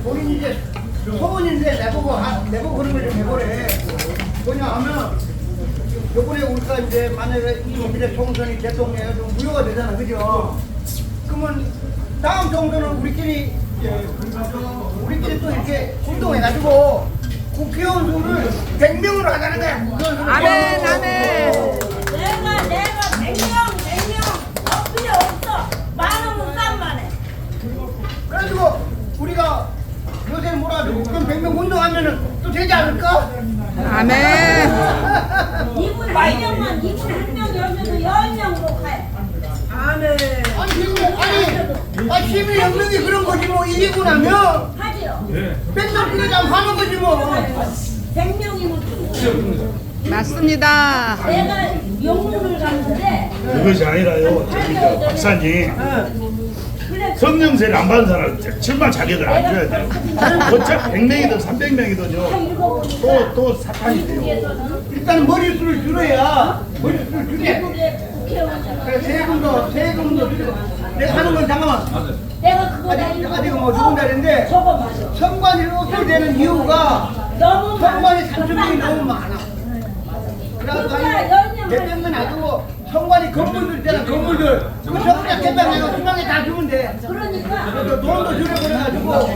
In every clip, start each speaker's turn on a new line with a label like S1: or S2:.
S1: 본인이 이제 소원인데 내보고 그런 걸 좀 해보래. 뭐냐 하면 요번에 우리가 이제 만약에 이 미래 총선이 대통령에 좀 무효가 되잖아, 그죠? 그러면 다음 총선은 우리끼리 또 이렇게 운동해가지고 국회의원 수를 100명으로 하자는 거야.
S2: 아멘, 아멘.
S3: 내가 100명 필요 없어. 많으면 싼만해.
S1: 그래가지고 우리가 요새 몰아주고 그럼 100명 운동하면은 또 되지 않을까?
S2: 아멘.
S3: 이분 1명만 이분 1명 열면서 10명으로 가요.
S1: 아니 시민 연맹이 그런 거지 뭐 이기고 나면
S3: 하지요.
S1: 100명 필요하면 하는 거지 뭐.
S3: 100명이면
S2: 맞습니다.
S3: 내가 영문을 갔는데
S4: 그것이 아니라요. 저기 저 박사님
S3: 그래
S4: 성령세를 안 받은 사람 정말 자격을 안 줘야 돼요. 어차피 100명이든 300명이든요. 또 사탄이 돼요.
S1: 일단 머릿수를 줄여야 머릿수를 줄여.
S3: 국회의원이잖아.
S1: 그래 세금도 줄여. 내가 하는 건 잠깐만.
S3: 내가 그거
S1: 아직 뭐 좋은 자리인데
S3: 저거 맞아.
S1: 선관위 없게 되는 이유가
S3: 너무
S1: 선관위
S3: 많아.
S1: 산출이 너무 많아. 그래서 아니 대표는 놔두고 선관위 건물들 있잖아, 건물들. 그 전부 개방 내가 중앙에 다 주면 돼.
S3: 그러니까
S1: 돈도 줄여버려가지고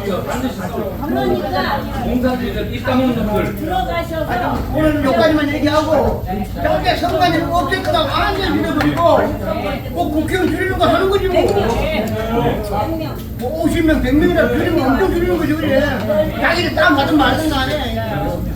S5: 공사지들 입당 없는 걸
S3: 들어가셔서
S1: 오늘 여기까지만 얘기하고 저게 선관위를 없앨 거다 완전 밀어버리고 꼭 국회의원 줄이는 거 하는 거지 뭐.
S3: 100명.
S1: 뭐 50명, 100명이라 줄이면 엄청 줄이는 거지 그래. 자기를 다운 받으면 말든 거 아니야.